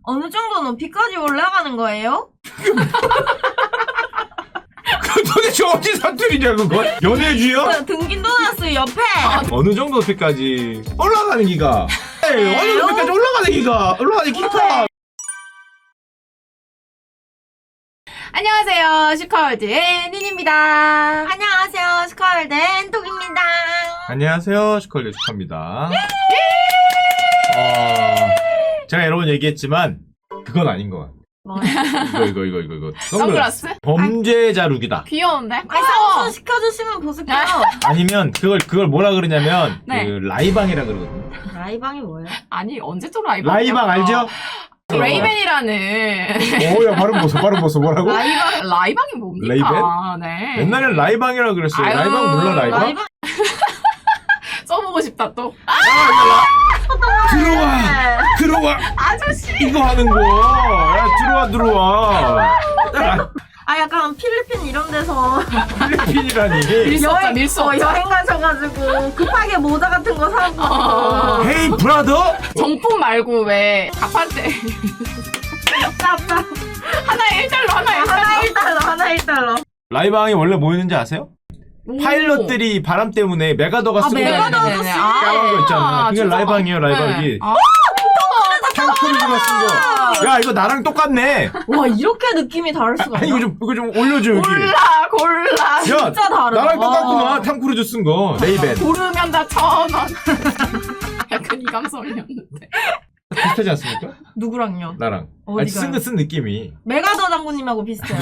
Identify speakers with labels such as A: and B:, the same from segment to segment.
A: 어느 정도 높이까지 올라가는 거예요?
B: 도대체 어디 사투리냐 그거? 연애주요?
A: 그 등긴 도나스 옆에
B: 어느 정도 높이까지 올라가는 기가? 에이, 어느 높이까지 올라가는 기가? 올라가는 기가?
C: 안녕하세요. 슈카월드의 닌입니다.
A: 안녕하세요 스컬드 앤톡입니다.
B: 안녕하세요, 슈컬드 슈카입니다. 제가 여러 번 얘기했지만 그건 아닌 것 같아.
A: 뭐야?
B: 이거.
C: 선글라스?
B: 범죄자 룩이다.
C: 귀여운데?
A: 아니 상수 시켜주시면 보실게요.
B: 아니면 그걸 뭐라 그러냐면
C: 네.
B: 그 라이방이라 그러거든요.
A: 라이방이 뭐예요?
C: 아니 언제 또 라이방?
B: 라이방 알죠?
C: 레이벤이라는
B: 오야 발음 보소 뭐라고?
C: 라이방이 뭡니까?
B: 레이벤?
C: 네.
B: 옛날엔 라이방이라 그랬어요.
C: 아유,
B: 라이방 몰라 라이방?
A: 라이방
C: 써보고 싶다 또.
B: 들어와
C: 아저씨.
B: 이거 하는 거. 야 들어와.
A: 아 약간 필리핀 이런 데서
B: 필리핀이라니.
C: 밀수 없죠.
A: 여행 가셔가지고 급하게 모자 같은 거 사고
B: 헤이 브라더.
C: 정품 말고 왜 가판대
A: 짭짭
C: 하나에 1달러 하나에
A: 하나
C: 1달러.
A: 1달러 하나 1달러.
B: 라이방이 원래 뭐 있는지 아세요? 파일럿들이 바람 때문에 메가더가 쓰고
A: 메가더
B: 다니는
A: 아저씨.
B: 까만 거 있잖아. 그게
C: 진짜?
B: 라이방이에요, 라이방이.
C: 네. 아,
B: 탕크루즈가 쓴 거. 야, 이거 나랑 똑같네.
A: 와 이렇게 느낌이 다를 수가
B: 아니,
A: 있나?
B: 이거 좀 올려줘, 여기.
C: 골라.
B: 야,
A: 진짜 다르다.
B: 나랑 똑같구만.
A: 와.
B: 탕크루즈 쓴 거. 레이벤.
C: 고르면 다 1,000원. 약간 이 감성이었는데.
B: 비슷하지 않습니까?
A: 누구랑요?
B: 나랑. 아니,
A: 어디가요?
B: 쓴 느낌이.
A: 메가더 장군님하고 비슷해요.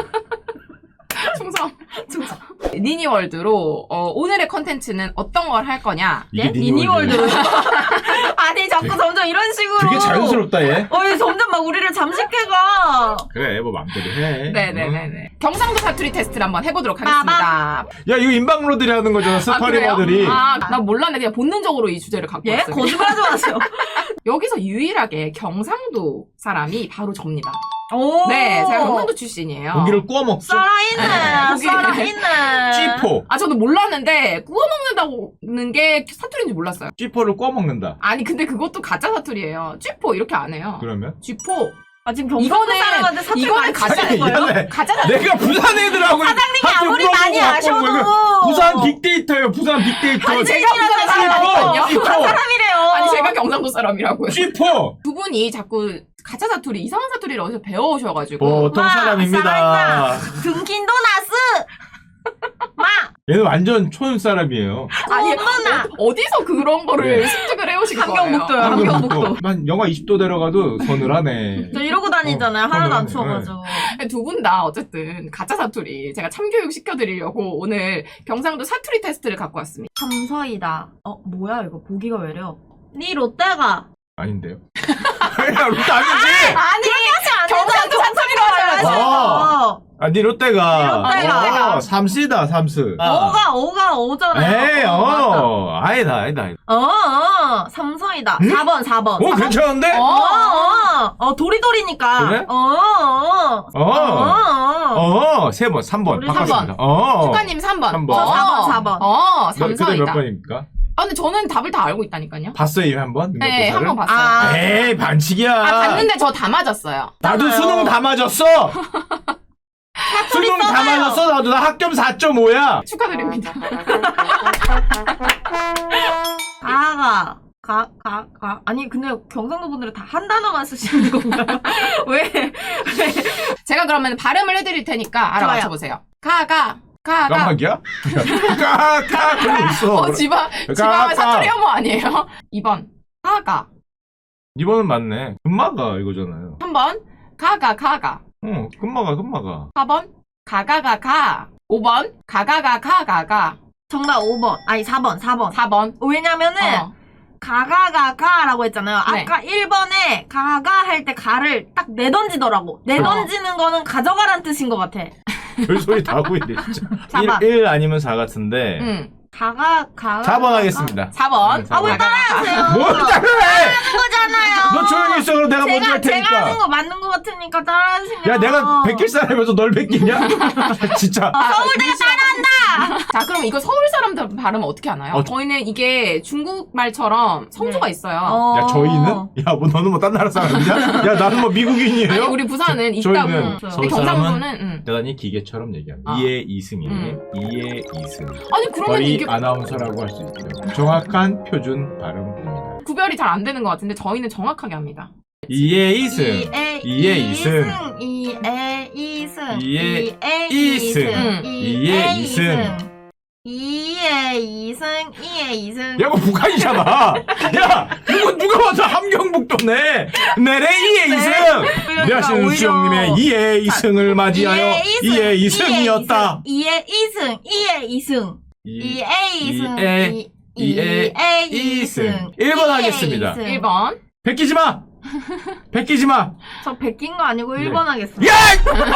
C: 충성. 니니월드로 오늘의 컨텐츠는 어떤 걸 할 거냐?
B: 이게
A: 미니월드로. 아니 자꾸 점점 이런 식으로.
B: 되게 자연스럽다, 얘.
A: 어이 점점 막 우리를 잠식해가.
B: 그래, 뭐 맘대로 해.
C: 네네네네. 경상도 사투리 테스트를 한번 해보도록 하겠습니다.
B: 야, 이거 인방로들이 하는 거잖아, 스파리머들이.
C: 나 몰랐네. 그냥 본능적으로 이 주제를 갖고
A: 예?
C: 왔어요.
A: 거짓말하지 마세요.
C: 여기서 유일하게 경상도 사람이 바로 접니다.
A: 오.
C: 네, 제가 경상도 출신이에요.
B: 고기를 구워 먹죠?
A: 살아있네.
C: 고기.
A: 살아있네.
B: 쥐포.
C: 아, 저도 몰랐는데 구워 먹는다는 게 사투리인지 몰랐어요.
B: 쥐포를 구워 먹는다.
C: 아니, 근데 그것도 가짜 사투리예요. 쥐포 이렇게 안 해요.
B: 그러면?
C: 쥐포.
A: 아 지금 경상도 사람한테 사투리
C: 이거는
A: 많이
C: 가짜
A: 치는 거예요?
B: 미안해.
C: 가짜 사투리.
B: 내가 부산 애들하고
A: 사장님이
B: 학교
A: 아무리
B: 물어보고
A: 많이
B: 갖고 온 거예요.
A: 아셔도.
B: 부산 빅데이터예요. 부산 빅데이터.
A: 아니
C: 제가 부산 사람이거든요.
B: 쥐포.
A: 사람이래요.
C: 아니, 제가 경상도 사람이라고요.
B: 쥐포.
C: 두 분이 자꾸 가짜 사투리, 이상한 사투리를 어디서 배워오셔가지고.
B: 보통 사람입니다.
A: 등긴도 나스. 마.
B: 얘는 완전 촌 사람이에요.
C: 아니,
A: 어머나.
C: 어디서 그런 거를
B: 네.
C: 습득을 해오신 거예요?
A: 함경북도요. 함경북도.
B: 한 영하 20도 내려가도 서늘하네.
A: 저 이러고 다니잖아요. 하나도 안
B: 그러네.
A: 추워가지고.
C: 두 분 다 어쨌든 가짜 사투리 제가 참교육 시켜드리려고 오늘 경상도 사투리 테스트를 갖고 왔습니다.
A: 삼서이다. 뭐야 이거 보기가 왜려? 니 롯데가.
B: 아닌데요? 야, 롯데 아니지?
C: 아니 경상도 사투리로 하셔야지.
B: 네 롯데가.
A: 니 롯데가.
B: 삼시다, 삼스.
A: 오가 오잖아요.
B: 에이,
A: 맞다.
B: 아니다.
A: 삼성이다.
B: 응?
A: 4번.
B: 오, 괜찮은데?
A: 도리도리니까.
B: 그래? 세 번, 3번.
A: 우리
B: 바꿨습니다.
C: 슈카님 3번.
B: 삼
A: 저
B: 번.
A: 4번.
B: 그때 몇
C: 삼성이다.
B: 번입니까?
C: 아 근데 저는 답을 다 알고 있다니까요.
B: 봤어요, 한 번?
C: 네, 한 번
B: 봤어요.
C: 봤어요.
B: 에이, 반칙이야.
C: 봤는데 저 다 맞았어요.
B: 나도
A: 맞아요.
B: 수능 다 맞았어! 수능 다
A: 써봐요.
B: 맞았어, 나도. 나 학점 4.5야!
C: 축하드립니다.
A: 아니, 근데 경상도 분들은 다 한 단어만 쓰시는 건가요? 왜?
C: 제가 그러면 발음을 해드릴 테니까 알아
A: 좋아요.
C: 맞춰보세요. 가가.
B: 깜빡이야? 그러고 있어.
C: 지방
B: 가.
C: 사투리 혐오 아니에요? 2번. 가가.
B: 2번은 맞네. 금마가 이거잖아요.
C: 3번. 가가.
B: 금마가.
C: 4번. 가가가가. 5번. 가가가가가가.
A: 정답 5번. 아니, 4번.
C: 4번.
A: 왜냐면은, 가가가가라고 했잖아요.
C: 네.
A: 아까 1번에 가가 할 때 가를 딱 내던지더라고. 내던지는 거는 가져가란 뜻인 것 같아.
B: 별소리 다 하고 있네, 진짜.
A: 4번.
B: 1 아니면 4 같은데.
A: 가가
B: 4번 하겠습니다.
C: 4번.
B: 아, 왜
A: 따라하세요?
B: 뭘 따라해!
A: 하는 거잖아요.
B: 너 조용히 있어, 그럼 내가 먼저 할
A: 제가 하는
B: 테니까.
A: 거 맞는 거 같으니까 따라하시면.
B: 야, 내가 베낄 사람이면서 널 베끼냐? 진짜.
A: 서울대가 따라하는 한다.
C: 자, 그럼 이거 서울 사람들 발음 어떻게 하나요? 저희는 이게 중국말처럼 성조가
A: 네.
C: 있어요.
B: 야 저희는? 야 뭐 너는 뭐 딴 나라 사람이냐? 야 나는 뭐 미국인이에요?
C: 아니, 우리 부산은
B: 저희는
C: 있다고.
A: 서울
C: 근데 경상도는
B: 대단히 기계처럼 얘기합니다.
C: 아.
B: 이해 이승이 이해 이승.
C: 아니 그러면
B: 거의
C: 이게
B: 아나운서라고 할 수 있죠. 정확한 표준 발음입니다.
C: 구별이 잘 안 되는 것 같은데 저희는 정확하게 합니다.
B: 이해 이승. 이해 이승.
A: 이해 이승.
B: 이해
A: 이해
B: 이승. 이해 이승.
A: 이해 이승. 이해 이승.
B: 야, 이거 북한이잖아. 야, 이거 누가 봐도 함경북도네. 내래 이해 이승. 안녕하세요, 수영님의 이해 이승을 맞이하여 이해 이승이었다.
A: 이해 이승. 이해 이승. 이해 이승.
B: 이해 이승. 1번 하겠습니다.
C: 1번.
B: 베끼지 마. 베끼지 마.
A: 저 베낀 거 아니고
B: 네.
A: 1번 하겠습니다.
B: 야!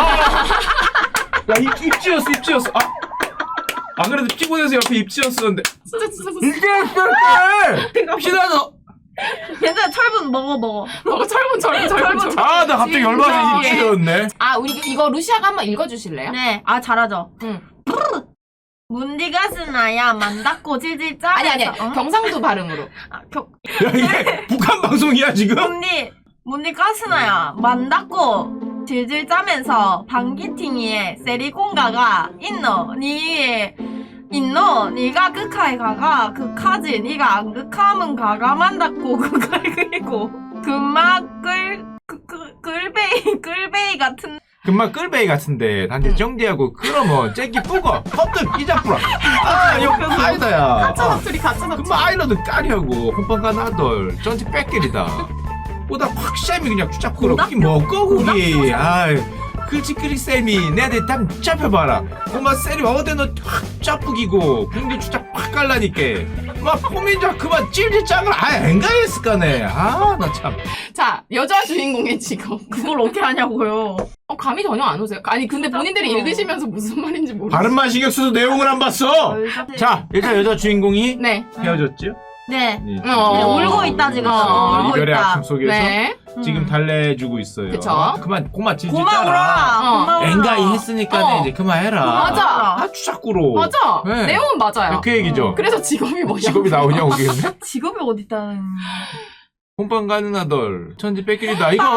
B: 야, 입지였어, 입지였어. 아, 그래도 피곤해서 옆에 입지였었는데.
C: 진짜.
B: 입지였어! 피나서.
A: 괜찮아, 철분 먹어.
C: 철분.
B: 아, 나 갑자기 열받아서 입지였네.
C: 아, 우리 이거 루시아가 한번 읽어주실래요?
A: 네, 아 잘하죠.
C: 응.
A: 문디가 스나야 만다고 질질 짜면서.
C: 아니. 경상도 발음으로.
A: 아,
B: 야, 이게 북한 방송이야, 지금?
A: 문디 가스나야 만다고 질질 짜면서 방기팅이에 세리공가가 있노 니가 극하에 가가 극하지 니가 안 극하면 가가 만다고 극할 그리고 금막 끌베이 같은
B: 금방 끌베이 같은데 단지 정지하고 그러면 째기 뿌고 헛들 끼잡부라. 아, 이거 아이다야.
C: 가짜 사투리.
B: 금방 아이러드 까리하고 혼빵가 나돌 전체 빽끼리다. 보다 확 쌤이 그냥 추잡꾸러 그게 뭐고 그게. 아이 글치그리 쌤이 내한테 땀 잡혀봐라. 엄마 쌤이 어디너 확 짜쁘기고 궁디 추잡 확 깔라니까 막 포민자 그만 찔찔 짱을 아예 앵가했을까네. 아 나 참.
C: 자, 여자 주인공의 직업.
A: 그걸 어떻게 하냐고요.
C: 감이 전혀 안 오세요. 아니, 근데 본인들이 읽으시면서 무슨 말인지 모르겠어요.
B: 발음만 신경 써도 내용을 안 봤어. 자, 일단 여자 주인공이
C: 네.
B: 헤어졌죠?
A: 네.
B: 네,
A: 울고 있다 지금. 울고
B: 이별의
A: 있다.
B: 아픔 속에서
C: 네.
B: 지금 달래주고 있어요.
C: 그쵸.
B: 그만 고마 질질
A: 고마워라.
B: 짜라.
A: 고마워라.
B: 앵가이 했으니까 이제 그만해라.
C: 맞아.
B: 아 추잡꾸로.
C: 맞아.
B: 네.
C: 내용은 맞아요.
B: 그 얘기죠.
C: 그래서 직업이 뭐냐?
B: 직업이 나오냐고 그게.
A: 직업이 어딨다.
B: 혼빵 가는 아들 천지 뺏기리다 이거.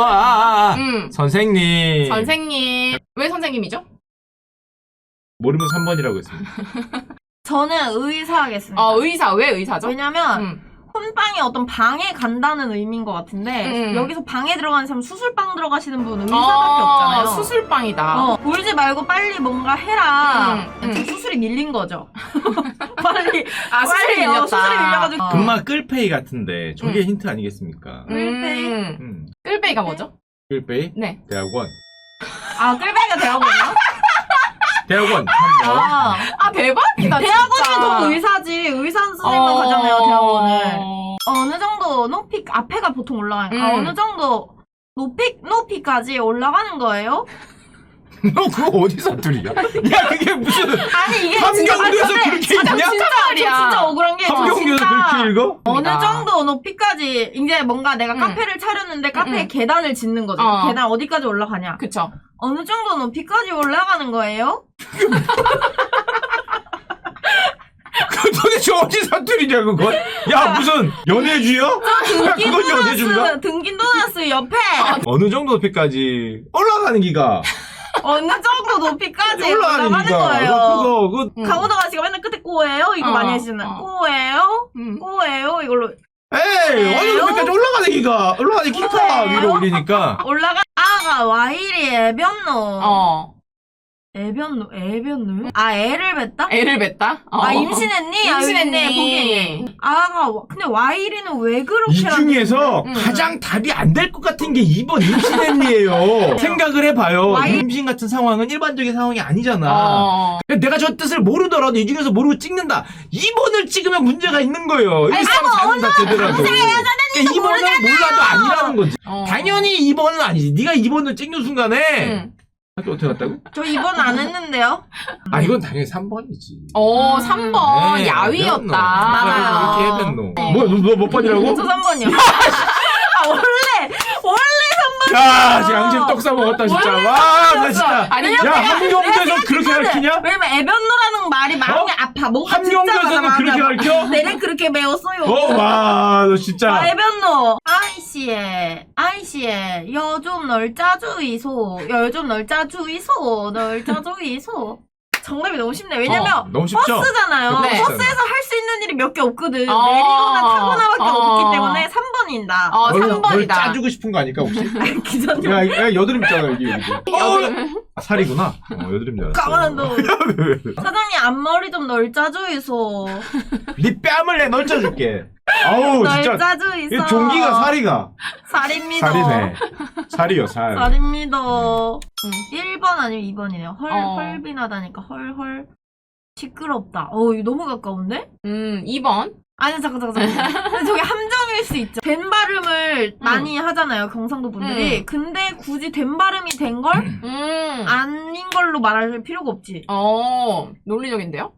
B: 선생님.
C: 선생님. 왜 선생님이죠?
B: 모르면 3번이라고 했습니다.
A: 저는 의사 하겠습니다.
C: 의사. 왜 의사죠?
A: 왜냐면 혼방이 어떤 방에 간다는 의미인 것 같은데 여기서 방에 들어가는 사람 수술방 들어가시는 분은 의사밖에 없잖아요.
C: 수술방이다.
A: 울지 말고 빨리 뭔가 해라. 지금 수술이 밀린 거죠. 빨리
C: 수술이 밀렸다.
A: 수술이 밀려가지고
B: 금방 끌페이 같은데 저게 힌트 아니겠습니까?
A: 끌페이?
C: 끌베이가 뭐죠?
B: 끌페이?
C: 네.
B: 대학원.
A: 아 끌베이가 대학원이요?
B: 대학원 3번.
C: 대박이다.
A: 대학원이면
C: 진짜.
A: 더 의사지. 의사 선생님만 가잖아요 대학원을. 어느 정도 높이 앞에가 보통 올라가니까 어느 정도 높이까지 올라가는 거예요?
B: 너 그거 어디 사투리야? 야 그게 무슨
A: 아니 이게
B: 함경도에서
A: 진짜
B: 그렇게 읽냐?
A: 진짜 억울한 게
B: 함경도에서 그렇게 읽어?
A: 어느 정도 높이까지 이제 뭔가 내가 카페를 차렸는데 카페에 계단을 짓는 거죠. 계단 어디까지 올라가냐?
C: 그쵸.
A: 어느 정도 높이까지 올라가는 거예요?
B: 그 도대체 어디 사투리냐 그건? 야 무슨 연애주야? 야 그건 연애주인가?
A: 등긴 도나스 옆에
B: 어느 정도 높이까지 올라가는 기가
A: 어느 정도 높이까지
B: 올라가는
A: 올라가는
B: 기가
A: 거예요.
B: 그거
A: 강호동 아씨가 맨날 끝에 꼬예요? 이거 많이 하시잖아요. 꼬예요? 꼬예요? 이걸로
B: 에이 어느 높이까지 올라가는 기가 올라가는 기가 위로 올리니까
A: 올라가 아가 와이리 애변노 애변노요? 아 애를 뱉다?
C: 애를 뱉다?
A: 아 임신했니?
C: 임신했니?
A: 보기. 아가 근데 와이리는 왜 그렇게
B: 이 중에서 가장 답이 안 될 것 같은 게 2번 임신했니예요. 생각을 해봐요. 임신 같은 상황은 일반적인 상황이 아니잖아. 내가 저 뜻을 모르더라도 이 중에서 모르고 찍는다. 2번을 찍으면 문제가 있는 거예요. 이 사람 사는 자체더라도. 그러니까 2번을 몰라도 아니라는 거지. 당연히 2번은 아니지. 네가 2번을 찍는 순간에 학교 어떻게 갔다고?
A: 저 이번 안 했는데요?
B: 아 이건 당연히 3번이지.
C: 3번
B: 네,
C: 야위였다.
A: 맞아요.
B: 그렇게 해변노. 뭐야 너 몇 번이라고?
A: 저 3번이요. 원래
B: 야, 지금 양심 떡 싸먹었다, 진짜. 와, 나 진짜.
C: 아니,
B: 야, 함경도에서 그렇게 가르치냐?
A: 왜냐면 애변노라는 말이 마음이 아파. 뭔가
B: 함경도에서는
A: 듣자마자
B: 그렇게
A: 마음이 아파.
B: 가르쳐?
A: 내는 그렇게 배웠어요.
B: 와, 너 진짜.
A: 애변노. 아이씨에, 여좀 널짜 주이소. 여좀 널짜 주이소. 널짜 주이소. 정답이 너무 쉽네. 왜냐면,
B: 너무 쉽죠?
A: 버스잖아요.
C: 네.
A: 버스에서 할 수 있는 일이 몇 개 없거든. 내리거나 타거나밖에
C: 어.
A: 없기 때문에 3번입니다.
B: 널
C: 3번이다.
B: 짜주고 싶은 거 아닐까, 혹시?
A: 기자님.
B: 야, 여드름 있잖아, 여기.
C: 여드름.
B: 아, 살이구나. 여드름 줄 알았어.
A: 까만한 너. 사장님, 앞머리 좀 널짜 주이소.
B: 네 뺨을 내 널짜줄게. 아우, 진짜.
A: 널짜 주이소.
B: 이 종기가 살이가.
A: 살입니다.
B: 살이네. 살이요, 살.
A: 살입니다. 1번 아니면 2번이네요.
C: 어.
A: 헐빈하다니까. 헐. 시끄럽다. 이거 너무 가까운데?
C: 2번.
A: 아니, 잠깐. 근데 저게 함정일 수 있죠. 된 발음을 많이 하잖아요, 경상도 분들이. 근데 굳이 된 발음이 된 걸 아닌 걸로 말할 필요가 없지.
C: 논리적인데요?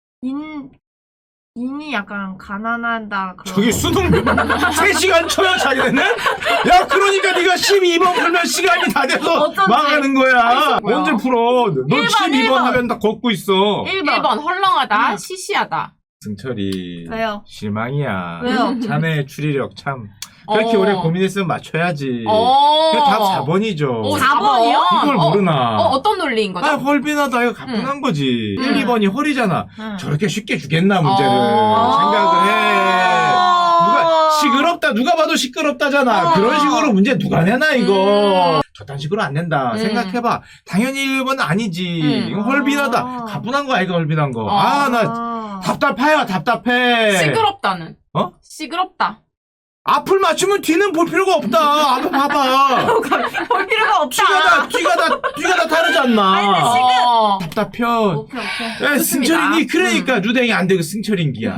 A: 인이 약간 가난하다. 그런
B: 저기 수능 3시간 쳐요, 자기네는? 야, 그러니까 네가 12번 풀면 시간이 다 돼서
A: 어쩐지.
B: 망하는 거야.
C: 뭐야?
B: 언제 풀어? 너
A: 1번,
B: 12번 하면 다 걷고 있어.
A: 1번.
C: 헐렁하다, 시시하다.
B: 승철이.
A: 왜요?
B: 실망이야.
A: 왜요?
B: 자네의 추리력 참. 그렇게 오래 고민했으면 맞춰야지.
C: 어.
B: 그게 다 4번이죠.
A: 4번이요?
B: 이걸 모르나.
C: 어떤 논리인 거죠?
B: 아, 헐빈하다. 이거 가뿐한 거지. 1, 2번이 헐이잖아. 저렇게 쉽게 주겠나, 문제를. 생각을 해. 누가, 시끄럽다. 누가 봐도 시끄럽다잖아. 그런 식으로 문제 누가 내나, 이거. 저딴 식으로 안 낸다. 생각해봐. 당연히 1번은 아니지. 이거 헐빈하다. 가뿐한 거 아이가 헐빈한 거. 나 답답해요, 답답해.
C: 시끄럽다는. 시끄럽다.
B: 앞을 맞추면 뒤는 볼 필요가 없다. 앞을 봐봐.
A: 볼 필요가 없다.
B: 뒤가 다 다르지 않나.
A: 아니, 근데
B: 답답해.
A: 오케이.
B: 야,
C: 좋습니다.
B: 승철이니 그러니까 누댕이 안 되고 승철인기야.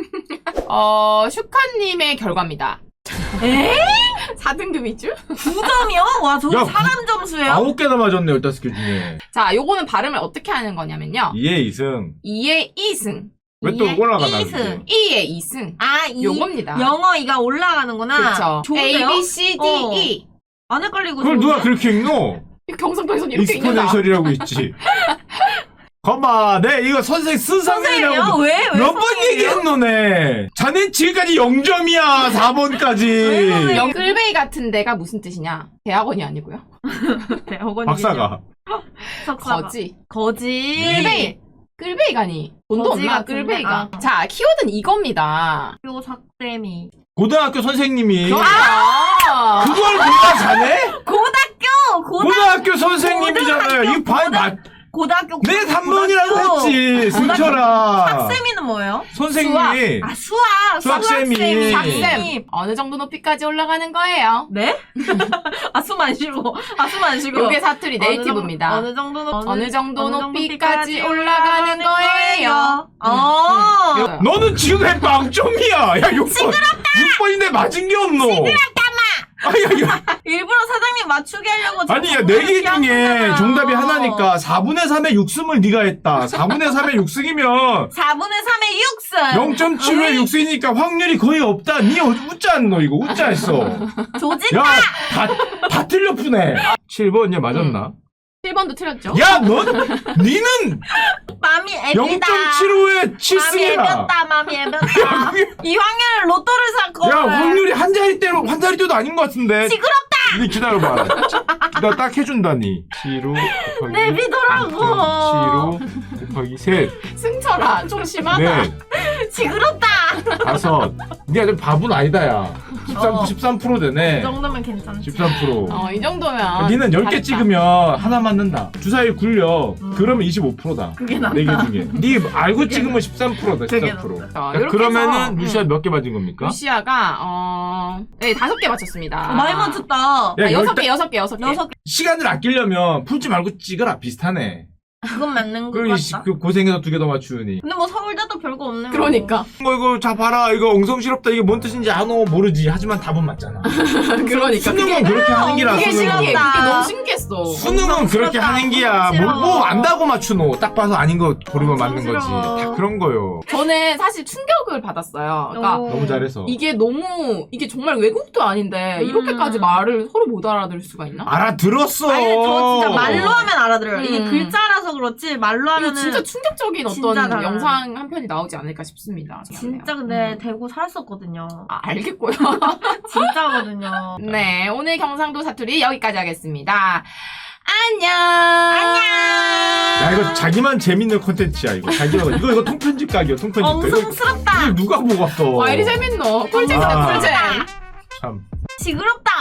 C: 슈카님의 결과입니다.
A: 에?
C: 4등급 위주?
A: 9점이요? 와, 저거
B: 야,
A: 사람 점수예요?
B: 9개나 맞았네, 15개 중에.
C: 자, 요거는 발음을 어떻게 하는 거냐면요.
B: 2에 2승.
C: 2의 2승.
B: 왜 또 올라가나?
A: 2승.
C: 2의 2승.
A: 요겁니다.
C: 요겁니다.
A: 영어 이가 올라가는구나.
C: 그쵸.
A: 좋은데요?
C: A, B, C, D, E.
A: 안 헷갈리고
B: 그걸 누가 그렇게 읽노?
C: 경상도에서는 이렇게 읽는다.
B: 익스포넨셜이라고 있지. 거봐, 이거 선생 쓴
A: 선생님이요?
B: 상상이라고.
A: 왜
B: 몇 번
A: 선생님이에요?
B: 얘기했노네. 자넨 지금까지 0점이야, 4번까지.
C: 끌베이 같은 데가 무슨 뜻이냐? 대학원이 아니고요.
A: 대학원이
B: 박사가.
A: 석사가. 거지.
C: 끌베이가니. 돈도
A: 거지
C: 없나,
A: 같은데?
C: 끌베이가. 자, 키워드는 이겁니다.
A: 요 삭쌤이.
B: 고등학교 선생님이.
C: 아!
B: 그걸 몰라, 자네?
A: 고등학교
B: 선생님이잖아요. 이거
A: 고등학교
B: 내 3번이라고 했지, 승철아.
A: 삭쌤이는 뭐예요?
B: 선생님이. 수학쌤이.
C: 삭쌤. 어느 정도 높이까지 올라가는 거예요?
A: 네? 숨 안 쉬고.
C: 요게 사투리 네이티브입니다.
A: 어느
C: 정도 높이까지 올라가는 거예요.
B: 너는 지금 왜 빵점이야? 야, 6번인데 맞은 게 없노.
A: 일부러 사장님 맞추게 하려고.
B: 아니, 야, 4개 중에 정답이 하나니까 4분의 3의 6승을 네가 했다. 4분의 3의 6승이면
A: 4분의 3의 6승.
B: 0.7의 6승이니까 확률이 거의 없다. 니 웃자 안 너, 이거? 웃자 했어.
A: 조짓다.
B: 야, 다 틀려 푸네. 7번, 얘 맞았나?
C: 7번도 틀렸죠?
B: 야, 니는
A: 맘이 애기다.
B: 0.75에 7승이야.
A: 맘이 애변다. 이 확률 로또를 샀고.
B: 야, 확률이 한 자리대도 아닌 것 같은데.
A: 시끄럽다.
B: 니 기다려봐. 나 딱 해준다니. 7호 곱하기.
A: 내비더라고.
B: 7호 곱하기 셋.
C: 승철아, 좀 심하다.
B: 넷.
A: 시끄럽다.
B: 5. 니가 좀 바보는 아니다, 야. 13% 되네.
A: 이 정도면 괜찮지.
B: 13%.
C: 이 정도면.
B: 니는 10개
C: 잘했다.
B: 찍으면 하나 맞는다. 주사위 굴려. 그러면 25%다.
A: 그게 낫다.
B: 4개 중에. 니 알고 찍으면 13%다,
A: 그게
B: 13%.
C: 자, 이렇게
B: 그러면은
C: 해서,
B: 루시아 몇 개 맞은 겁니까?
C: 루시아가, 네, 5개 맞췄습니다.
A: 많이 맞췄다.
B: 야,
C: 6개.
B: 시간을 아끼려면 풀지 말고 찍어라. 비슷하네.
A: 그건 맞는 거
B: 그리고
A: 같다.
B: 그 고생해서 2개 더 맞추니.
A: 근데 뭐 서울대도 별거 없네.
C: 그러니까.
B: 이거 자 봐라 이거 엉성시럽다 이게 뭔 뜻인지 아노 모르지 하지만 답은 맞잖아.
C: 그러니까.
B: 수능은 그렇게 하는 기라
C: 그게
B: 수능은.
C: 신기해.
A: 싫었다.
C: 그게 너무 신기했어.
B: 수능은 그렇게 하는 기야.
A: 싫어.
B: 뭐 안다고 맞추노. 딱 봐서 아닌 거 고르면
A: 엄청
B: 맞는 거지.
A: 싫어.
B: 다 그런 거요.
C: 저는 사실 충격을 받았어요. 그러니까
A: 오.
B: 너무 잘해서.
C: 이게 정말 외국도 아닌데 이렇게까지 말을 서로 못 알아들을 수가 있나?
B: 알아들었어.
A: 아니 저 진짜 말로 하면 알아들어요. 이게
C: 음.
A: 글자라서 그렇지 말로
C: 이거
A: 하면은
C: 진짜 충격적인
A: 진짜
C: 어떤
A: 달라요.
C: 영상 한 편이 나오지 않을까 싶습니다.
A: 진짜 근데 대구 살았었거든요.
C: 알겠고요.
A: 진짜거든요.
C: 네, 오늘 경상도 사투리 여기까지 하겠습니다. 안녕.
B: 야 이거 자기만 재밌는 콘텐츠야 이거. 자기만 이거 통편집 각이야 통편집 각.
A: 엉성스럽다.
B: 이걸 누가 보겠어.
C: 와, 이리 재밌노. 꿀잼이다,
B: 아.
C: 꿀잼.
B: 참.
A: 징그럽다.